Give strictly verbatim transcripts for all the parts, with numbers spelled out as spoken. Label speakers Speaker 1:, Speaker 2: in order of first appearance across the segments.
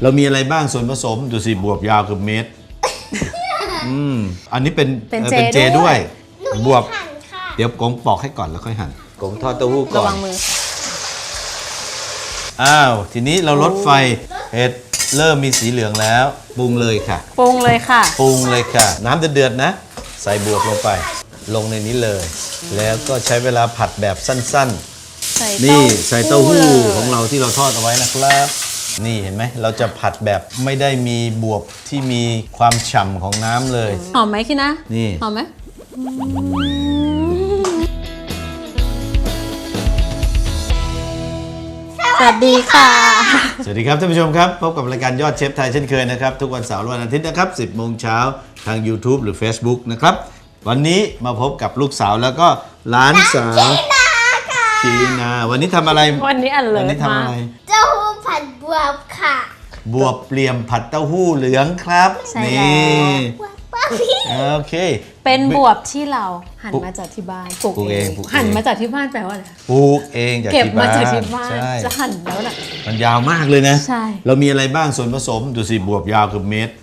Speaker 1: เรามีอะไรบ้างส่วนผสมดูสิบวบยาวเกือบเมตรอืมอันนี้เป็นเป็นเจด้วยบวบเดี๋ยวกงปอกให้ก่อนแล้วค่อยหั่นกงทอดเต้าหู้ก่อน
Speaker 2: ระวังมือ
Speaker 1: อ้าวทีนี้เราลดไฟเห็ดเริ่มมีสีเหลืองแล้วปรุงเลยค่ะ
Speaker 2: ปรุงเลยค่ะ
Speaker 1: ปรุงเลยค่ะน้ำเดือดๆนะใส่บวบลงไปลงในนี้เลยแล้วก็ใช้เวลาผัดแบบสั้นๆนี่ใส่เต้าหู้ของเราที่เราทอดเอาไว้นะครับนี่เห็นไหมเราจะผัดแบบไม่ได้มีบวบที่มีความฉ่ำของน้ำเลย
Speaker 2: หอมไหมคิดนะ
Speaker 1: นี่
Speaker 2: หอมไหมสวัสดีค่ะ
Speaker 1: สวัสดีครับท่านผู้ชมครับพบกับรายการยอดเชฟไทยเช่นเคยนะครับทุกวันเสาร์และวันอาทิตย์นะครับสิบโมงเช้าทาง YouTube หรือ Facebook นะครับวันนี้มาพบกับลูกสาวแล้วก็หลานสาวชีนาวันนี้ทำอะไร
Speaker 2: วันนี้อันเลย
Speaker 1: วันนี้ทำอะไร
Speaker 3: เต้าหู้ผัดบวบค่ะ
Speaker 1: บวบเปลี่ยมผัดเต้าหู้เหลืองครับนี่โอเค
Speaker 2: เป็นบวบที่เราหั่นมาจากที่บ้านปลูกเองหั่นมาจากที่บ้านแปลว่าอะไร
Speaker 1: ปลูกเองจากที่บ้าน
Speaker 2: เก็บมาจากที่บ้านจะหั่นแล้วน่ะ
Speaker 1: มันยาวมากเลยนะ
Speaker 2: ใช่
Speaker 1: เรามีอะไรบ้างส่วนผสมดูสิบวบยาวเกือบเมตร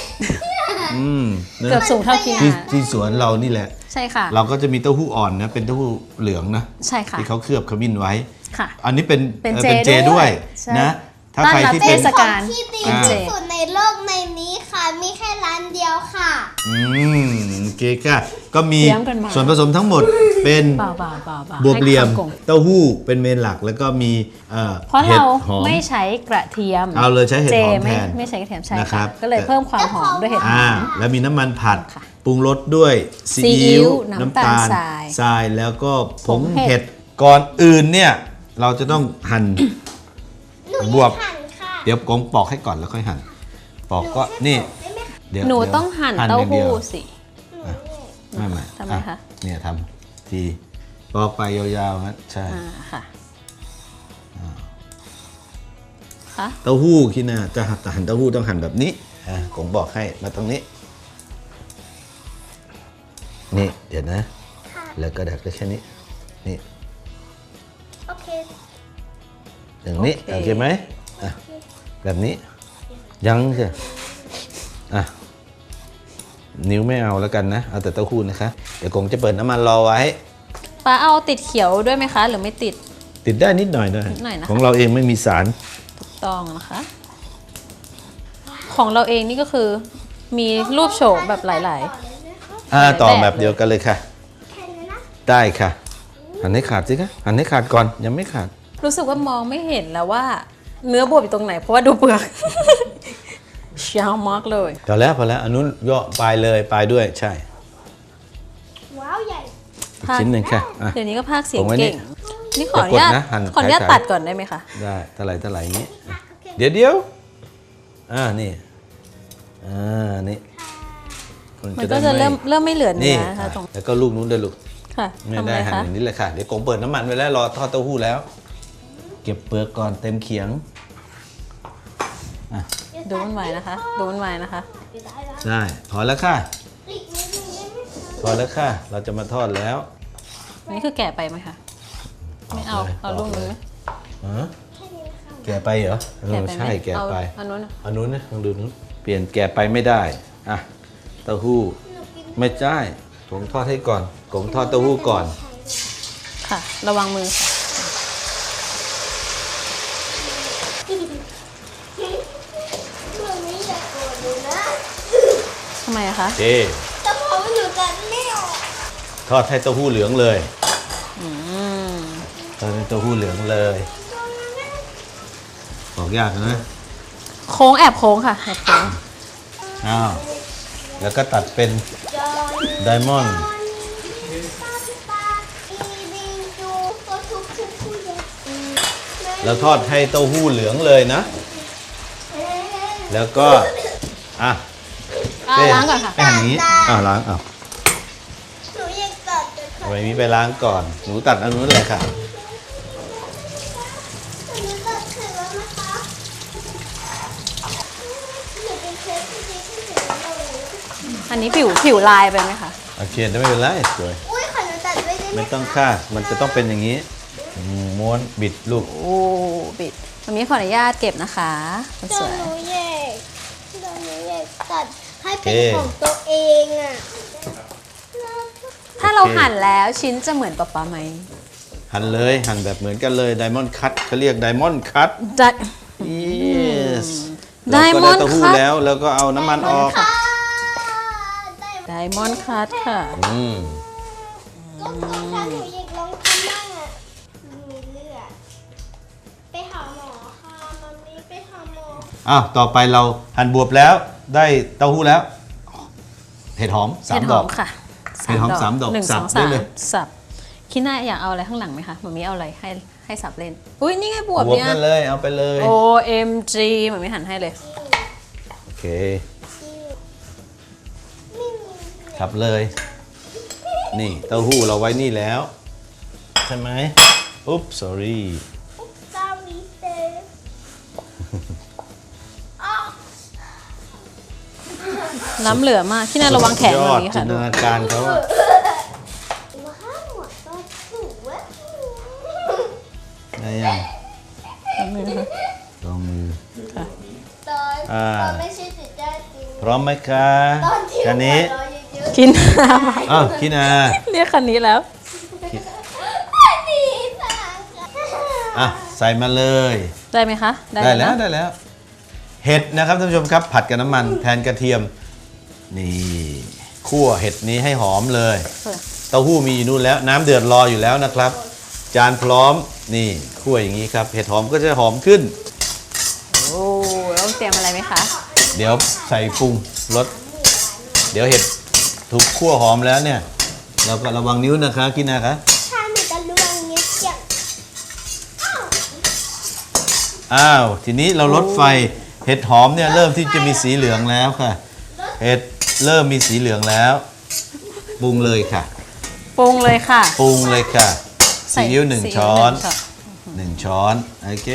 Speaker 2: เกือบสูงเท่ากิน
Speaker 1: ที่ที่สวนเรานี่แหละ
Speaker 2: ใช่ค่ะ
Speaker 1: เราก็จะมีเต้าหู้อ่อนนะเป็นเต้าหู้เหลืองนะ
Speaker 2: ใช่ค่ะ
Speaker 1: ที่เขาเคลือบขมิ้นไว้
Speaker 2: ค่ะ
Speaker 1: อันนี้เป็น
Speaker 2: เป็น
Speaker 1: เจด้วยนะถ้าใครที่เป็น
Speaker 3: ของที่ดีที่สุดในโลกในนี้ค่ะมีแค่ร้านเดียวค่ะ
Speaker 1: อืมโอเคค่ะก็มีส่วนผสมทั้งหมดเป็นบวบเหลี่ยมเต้าหู้เป็นเมนหลักแล้วก็มี
Speaker 2: เพราะเราไม่ใช้กระเทียม
Speaker 1: เอาเลยใช้เห็ดหอมแทน
Speaker 2: ไม่ใช้กระเทียมใช่ค่ะก็เลยเพิ่มความหอมด้วยเห็ดหอม
Speaker 1: แล้วมีน้ำมันผัดปรุงรสด้วยซีอิ๊วน้ำตาลทรายแล้วก็ผงเห็ดก่อนอื่นเนี่ยเราจะต้องหั่นบวบเดี๋ยวกงปอกให้ก่อนแล้วค่อยหั่นปอกก็นี่
Speaker 2: เดี๋ยวหนูต้องหั่นเต้าหู้สิ
Speaker 1: ไม่ไม่
Speaker 2: ทำไมคะ
Speaker 1: เนี่ยทำทีปอกไปยาวๆนะใช่
Speaker 2: ค่ะ
Speaker 1: เต้าหู้คิดนะจะหั่นเต้าหู้ต้องหั่นแบบนี้อ่ะกงบอกให้มาตรงนี้นี่เดี๋ยวนะแล้วก็ดัดก็แค่นี้นี่
Speaker 3: โอเค
Speaker 1: อย่างนี้โอเคไหมอ่ะแบบนี้ยังใช่อ่ะนิ้วไม่เอาแล้วกันนะเอาแต่เต้าหู้นะคะเดี๋ยวกงจะเปิดน้ำมันรอไว้
Speaker 2: ป้าเอาติดเขียวด้วยไหมคะหรือไม่ติด
Speaker 1: ติดได้นิดหน่อยได้ของเราเองไม่มีสาร
Speaker 2: ถูกต้องนะคะของเราเองนี่ก็คือมีรูปโฉมแบบหลาย
Speaker 1: ๆอ่าต่อแบบเดียวกันเลยค่ะได้ค่ะหั่นให้ขาดสิคะหั่นให้ขาดก่อนยังไม่ขาด
Speaker 2: รู้สึกว่ามองไม่เห็นแล้วว่าเนื้อบวบอยู่ตรงไหนเพราะว่าดูเปลือกยาวมากเลย
Speaker 1: พอแล้วพอแล้วอันนู้นย่อปลายเลยปลายด้วยใช่
Speaker 3: ว้าวใหญ่
Speaker 1: ชิ้นหนึ่งค่ะ
Speaker 2: เดี๋ยวนี้ก็พากเสียงเก่งนี่ขออนุญาตขออนุญาตตัดก่อนได้ไหมคะ
Speaker 1: ได้เท่าไหร่เท่าไหร่อย่างนี้เดี๋ยวเดี๋ยวอ่านี่อ่านี่
Speaker 2: มันก็จะเริ่มเริ่มไม่เหลือเนื้อนะคะตรง
Speaker 1: แล้วก็ลูกนู้นด้วยลูก
Speaker 2: ค่ะ
Speaker 1: ไม่ได้หั่นอย่างนี้เลยค่ะเดี๋ยวกงเปิดน้ำมันไว้แล้วรอทอดเต้าหู้แล้วเก็บเปลือกก่อนเต็มเขียง
Speaker 2: ดูมันไว้นะคะดูมันไว้นะคะ
Speaker 1: ใช่พอแล้วค่ะพอแล้วค่ะเราจะมาทอดแล้ว
Speaker 2: นี่คือแก่ไปไหมคะไม่เอาเอาลูกนึงไหม
Speaker 1: แก่ไปเหรอเออใช่แก่ไปอันนู้นอันนู้นนะลองดูนู้นเปลี่ยนแก่ไปไม่ได้อ่ะเต้าหู้ไม่ใช่ผมทอดให้ก่อนผมทอดเต้าหู้ก่อน
Speaker 2: ค่ะระวังมือทำไมอะคะ
Speaker 1: เจ
Speaker 3: แต่พอมันอยู่กันไม่ออก
Speaker 1: ทอดให้เต้าหู้เหลืองเลยทอดให้เต้าหู้เหลืองเลยบอกยากนะ
Speaker 2: โค้งแอบโค้งค่ะแอบโค้ง
Speaker 1: อ้าวแล้วก็ตัดเป็นไดมอนด์แล้วทอดให้เต้าหู้เหลืองเลยนะแล้วก็อ่ะ
Speaker 2: ล้างก่อนค่ะ
Speaker 1: ไปหั่นนี้อ่าล้างอ่ะ
Speaker 3: หนูยังตัด
Speaker 1: เอาไปนี้ไปล้างก่อนหนูตัดอันนู้นเลยค่ะ
Speaker 2: อันนี้ผิวผิวลายไปไหมคะ
Speaker 1: โอเคไม่เป็นไรสวย
Speaker 3: อุ้ยขอหนูตัดไว้ได้ไหม
Speaker 1: ไม่ต้องค่ะมันจะต้องเป็นอย่างนี้ม้วนบิดลูก
Speaker 2: โอ้บิดมันมีขออนุญาตเก็บนะคะคน
Speaker 3: เดี๋
Speaker 2: ส
Speaker 3: ยว
Speaker 2: วย
Speaker 3: หนูแยกเดี๋ยวหนูแยกตัดให้เป็นของตัวเองอ่ะ
Speaker 2: ถ้าเราหั่นแล้วชิ้นจะเหมือนป๊าป๊าไหม
Speaker 1: หั่นเลยหั่นแบบเหมือนกันเลยไดมอนด์คัตเขาเรียกไดมอนด์คัต
Speaker 2: จะ
Speaker 1: yes
Speaker 2: ไดมอนด์
Speaker 1: เราก็ได้เต้าหู้
Speaker 2: คัต
Speaker 1: แล้วแล้วก็เอาน้ำมันออก
Speaker 3: ค่ะได้
Speaker 2: ไดมอนด์คัตค่ะ
Speaker 1: อืม
Speaker 3: ก็ถ้าหนูอยากลองทำบ้างอ่ะมีเลือดไปหาหมอค่ะมันมีไปหาหมอ
Speaker 1: อ้าวต่อไปเราหั่นบวบแล้วได้เต้าหู้แล้วเห็ดหอมสา
Speaker 2: เห็
Speaker 1: ม
Speaker 2: ดห
Speaker 1: ด
Speaker 2: อ
Speaker 1: อก
Speaker 2: มค่ะ
Speaker 1: เห็ดหอมสามดอก
Speaker 2: หนึ่ง
Speaker 1: สั
Speaker 2: ส
Speaker 1: บ
Speaker 2: อง
Speaker 1: ได้
Speaker 2: สาม
Speaker 1: เลย
Speaker 2: สับคิดหน้าอยากเอาอะไรข้างหลังไหมคะมันมีเอาอะไรให้ให้สับเล่น อุ้ยนี่ไงบวบบ
Speaker 1: วบ
Speaker 2: เนี่ย
Speaker 1: นั่นเลยเอาไปเลย
Speaker 2: โอ เอ็ม จี มันไม่หั่นให้เลย
Speaker 1: โอเคครับเลย นี่เต้าหู้เราไว้นี่แล้ว ใช่ไหมอุ๊บ sorry
Speaker 3: ซาวิเตอร์อ๋อ
Speaker 2: ล้ำเหลือมากที่น่าระวังแขน
Speaker 1: ย
Speaker 2: ตร
Speaker 1: อด
Speaker 2: งนี้
Speaker 1: จิ
Speaker 2: ค่ะ
Speaker 1: นต
Speaker 2: ดู
Speaker 1: นาการเขาอะ
Speaker 3: ว้าวหมดตัวสูงเว้ย
Speaker 1: ได้ยัง
Speaker 2: ล้ำมือนะคะ
Speaker 1: ลองมือ
Speaker 2: ค่ะ
Speaker 3: ตอน
Speaker 1: อ่า
Speaker 3: ตอนไม่ใช่ติดได้จริง
Speaker 1: พร้อมไหมคะ
Speaker 3: ตอนที่
Speaker 1: คันนี้
Speaker 3: หัวเราะเยอะ
Speaker 2: คิดหน้ามา
Speaker 1: อ้าวคินา
Speaker 2: เรียกคันนี้แล้ว
Speaker 3: ๆดีสัง
Speaker 1: อ่ะใส่มาเลย
Speaker 2: ได้ไหมคะ
Speaker 1: ได้แล้ว
Speaker 2: นะ
Speaker 1: ได้แล้ว เห็ดนะครับท่านผู้ชมครับ ผัดกับน้ำมันแทนกระเทียม นี่คั่วเห็ดนี้ให้หอมเลย เต้าหู้มีอยู่นู่นแล้ว น้ำเดือดรออยู่แล้วนะครับ จานพร้อมนี่คั่วอย่างนี้ครับ เห็ดหอมก็จะหอมขึ้น
Speaker 2: โอ้ต้องเตรียมอะไรไหมคะ
Speaker 1: เดี๋ยวใส่ปรุงรสเดี๋ยวเห็ดถูกคั่วหอมแล้วเนี่ย เราก็ระวังนิ้วนะคะกินนะคะ
Speaker 3: ถ้าหนูจะลวงนิ้วเกี่ยว
Speaker 1: อ้าวทีนี้เราลดไฟเห็ดหอมเนี่ยเริ่มที่จะมีสีเหลืองแล้วค่ะ เห็ดเริ่มมีสีเหลืองแล้วปรุงเลยค่ะ
Speaker 2: ปรุงเลยค่ะ
Speaker 1: ปรุงเลยค่ะซีอิ๊วหนึ่ง
Speaker 2: ซี
Speaker 1: ช้อน
Speaker 2: หงช้อน
Speaker 1: หนึ่งช้อนโอเค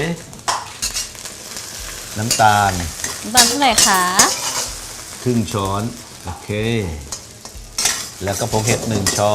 Speaker 1: น้ำตาล
Speaker 2: น้ำตาลเท่าไหร่คะ
Speaker 1: ครึ่งช้อนโอเค แล้วก็ผงเห็ดหนึ่งช้อน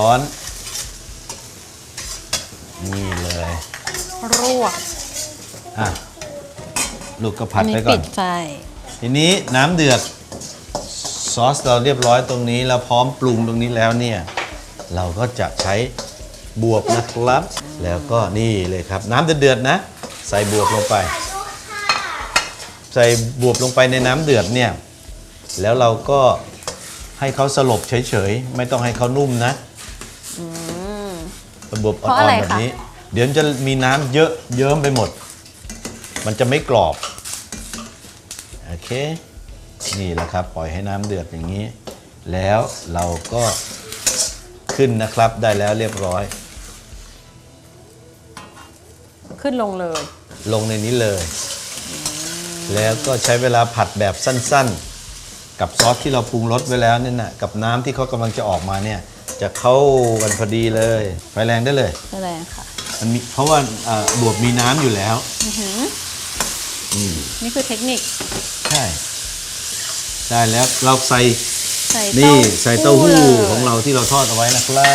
Speaker 1: นี่เลย
Speaker 2: รวก
Speaker 1: อ่ะลูกก็ผั
Speaker 2: อั
Speaker 1: ด
Speaker 2: นนี้
Speaker 1: ไปก่อ
Speaker 2: ปิ
Speaker 1: น
Speaker 2: ดไฟ
Speaker 1: ทีนี้น้ำเดือดซอสเราเรียบร้อยตรงนี้แล้วพร้อมปรุงตรงนี้แล้วเนี่ยเราก็จะใช้บวบนะครับ แล้วก็นี่เลยครับ น้ำเดือดๆนะ ใส่บวบลงไป
Speaker 3: ดูค่ะ
Speaker 1: ใส่บวบลงไปในน้ำเดือดเนี่ยแล้วเราก็ให้เขาสลบเฉยๆไม่ต้องให้เขานุ่มนะบวบอ่
Speaker 2: เพราะ
Speaker 1: อ
Speaker 2: อะไร
Speaker 1: นๆแบบ
Speaker 2: คะ
Speaker 1: นี้ เดี๋ยวจะมีน้ำเยอะเยิ้มไปหมด มันจะไม่กรอบโอเคนี่แหละครับปล่อยให้น้ำเดือดอย่างนี้ แล้วเราก็ขึ้นนะครับได้แล้วเรียบร้อย
Speaker 2: ขึ้นลงเลย
Speaker 1: ลงในนี้เลย แล้วก็ใช้เวลาผัดแบบสั้นๆ กับซอสที่เราปรุงรสไว้แล้วเนี่ยนะกับน้ำที่เขากำลังจะออกมาเนี่ยจะเข้ากันพอดีเลยไฟแรงได้เลย
Speaker 2: ได้เลยค่ะ
Speaker 1: มันมีเพราะว่าเอ่อบวบมีน้ำอยู่แล้ว
Speaker 2: อื้อหือ
Speaker 1: อืม
Speaker 2: นี่คือเทคนิค
Speaker 1: ใช่ได้แล้วเราใส่
Speaker 2: ใส่
Speaker 1: นี่ใส่เต้าหู้
Speaker 2: ลย
Speaker 1: ของเราที่เราทอดเอาไว้นะครับ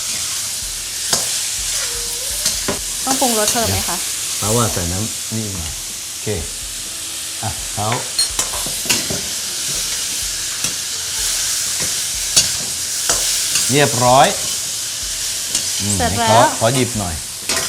Speaker 2: ต้องปรุงรสเพิ่มไหมคะ
Speaker 1: เพราะว่าใส่น้ำนี่มาโอเคอ่ะเขาเรียบร้อยอืม
Speaker 2: เสร็จ
Speaker 1: ให้
Speaker 2: แล้
Speaker 1: ขอ
Speaker 2: ว
Speaker 1: ขอหยิบหน่อย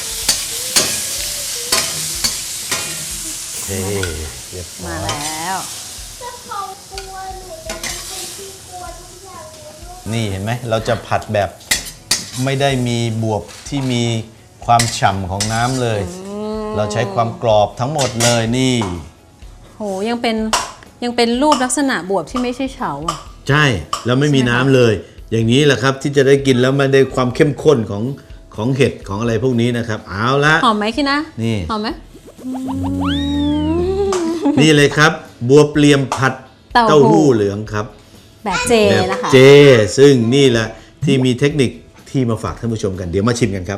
Speaker 1: เฮ้เรียบร้
Speaker 2: มา
Speaker 1: อย
Speaker 2: แล้ว
Speaker 3: ถ้าเขากลัวหนูจะเป็นที่กลัวทุกอย่างเลย
Speaker 1: นี่เห็นไหมเราจะผัดแบบไม่ได้มีบวบที่มีความฉ่ำของน้ำเลย เราใช้ความกรอบทั้งหมดเลยนี่
Speaker 2: โหยังเป็นยังเป็นรูปลักษณะบวบที่ไม่ใช่เฉาอ่ะ
Speaker 1: ใช่แล้วไม่มีน้ำเลย อย่างนี้แหละครับที่จะได้กินแล้วมันได้ความเข้มข้นของของเห็ดของอะไรพวกนี้นะครับ เอาละ
Speaker 2: หอมไหมคิดนะ
Speaker 1: นี่
Speaker 2: หอมไหม
Speaker 1: นี่เลยครับ บัวเปลี่ยมผัด
Speaker 2: เต้า
Speaker 1: เต้า
Speaker 2: หู้
Speaker 1: หู้เหลืองครับ
Speaker 2: แบบเจ
Speaker 1: แบบ
Speaker 2: นะคะ
Speaker 1: เจ ซึ่งนี่แหละที่มีเทคนิคที่มาฝากท่านผู้ชมกันเดี๋ยวมาชิมกันครับ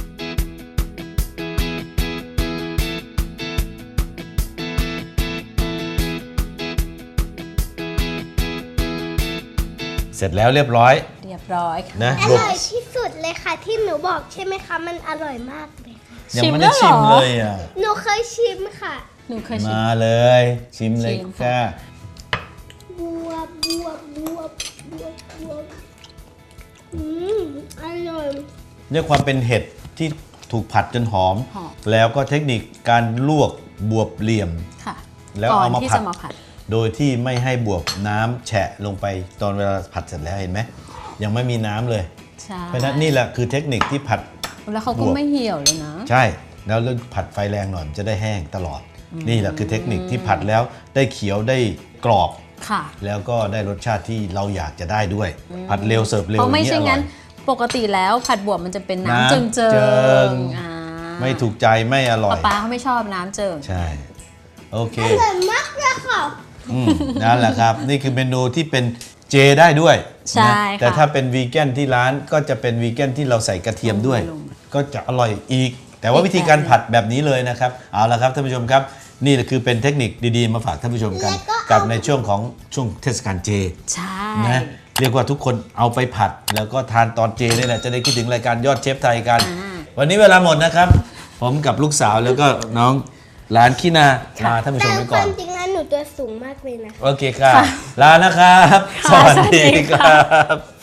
Speaker 1: เสร็จแล้วเรียบร้อย
Speaker 2: เรียบร้อยค่ะ
Speaker 1: นะ
Speaker 3: อบ
Speaker 1: วบ
Speaker 3: ร่อยที่สุดเลยค่ะที่หนูบอกใช่ไหมคะมันอร่อยมากเลยค่ะ
Speaker 1: ยังไม่ได้
Speaker 2: ชิ
Speaker 1: ชิ
Speaker 2: ม
Speaker 1: ม
Speaker 2: แล้วเหรอ
Speaker 1: เลยอ่ะ
Speaker 3: หนูเคยชิมค่ะ
Speaker 2: หนูเคยชิม
Speaker 1: มาเลย ชิมเลย
Speaker 2: ชิม
Speaker 1: ค่ะ
Speaker 3: บวบบวบบวบบวบบวบอืมอร่อย
Speaker 1: ด้วยความเป็นเห็ดที่ถูกผัดจนหอม
Speaker 2: หอม
Speaker 1: แล้วก็เทคนิคการลวกบวบเหลี่ยม
Speaker 2: ค่ะ
Speaker 1: แล้ว
Speaker 2: ก่อน
Speaker 1: เอามา
Speaker 2: ที่
Speaker 1: ผัด
Speaker 2: จะมาผัด
Speaker 1: โดยที่ไม่ให้บวบน้ำแฉะลงไปตอนเวลาผัดเสร็จแล้วเห็นไหมยังไม่มีน้ำเลย
Speaker 2: ใช่
Speaker 1: เพราะฉะนั้นนี่แหละคือเทคนิคที่ผัด
Speaker 2: แล้วเขาก็
Speaker 1: บวบ
Speaker 2: ไม่เหี่ยวเลยนะ
Speaker 1: ใช่แล้วผัดไฟแรงหน่อยมันจะได้แห้งตลอด นี่แหละคือเทคนิคที่ผัดแล้วได้เขียวได้กรอบ
Speaker 2: ค่ะ
Speaker 1: แล้วก็ได้รสชาติที่เราอยากจะได้ด้วย ผัดเร็วเสิร์ฟเร็ว
Speaker 2: เพราะไม่
Speaker 1: อย่า
Speaker 2: ใช่
Speaker 1: งนี้อร่
Speaker 2: งั้
Speaker 1: อน ย
Speaker 2: ปกติแล้วผัดบวบมันจะเป็นน้ำ
Speaker 1: น้ำ
Speaker 2: เจิงเจิ
Speaker 1: เจิ
Speaker 2: ง
Speaker 1: ง
Speaker 2: อ่า
Speaker 1: ไม่ถูกใจไม่อร่อ
Speaker 2: ป๊าย ป๊าเขาไม่ชอบน้ำเจิง
Speaker 1: ใช่โอเค
Speaker 3: อร่อยมากเลยค่ะ
Speaker 1: อืมนั่นแหละครับ นี่คือเมนูที่เป็นเจได้ด้วย
Speaker 2: ใช่
Speaker 1: นะ
Speaker 2: ค่ะ
Speaker 1: แต่ถ้าเป็นวีแกนที่ร้านก็จะเป็นวีแกนที่เราใส่กระเทียมด้วย
Speaker 2: ลง
Speaker 1: ก็จะอร่อยอีก แต่ว่า
Speaker 2: อีก
Speaker 1: วิธีการ
Speaker 2: แบบหนึ่ง
Speaker 1: ผัดแบบนี้เลยนะครับเอาละครับท่านผู้ชมครับ นี่แหละคือเป็นเทคนิคดีๆมาฝากท่านผู้ชมกัน กับในช่วงของช่วงเทศกาลเจ
Speaker 2: ใช่
Speaker 1: นะเรียกว่าทุกคนเอาไปผัด แล้วก็ทานตอนเจนี่แหละจะได้คิดถึงรายการยอดเชฟไทยกัน วันนี้เวลาหมดนะครับ ผมกับลูกสาวแล้วก็น้องหลานขี้นาลาท่านผู้ช
Speaker 3: แต่
Speaker 1: มไป
Speaker 3: ค
Speaker 1: ก่อ
Speaker 3: วาน มจริงแล้วหนูตัวสูงมากเลยนะคะ
Speaker 1: โอเคครับ ลานะครับ สวัสดีครับ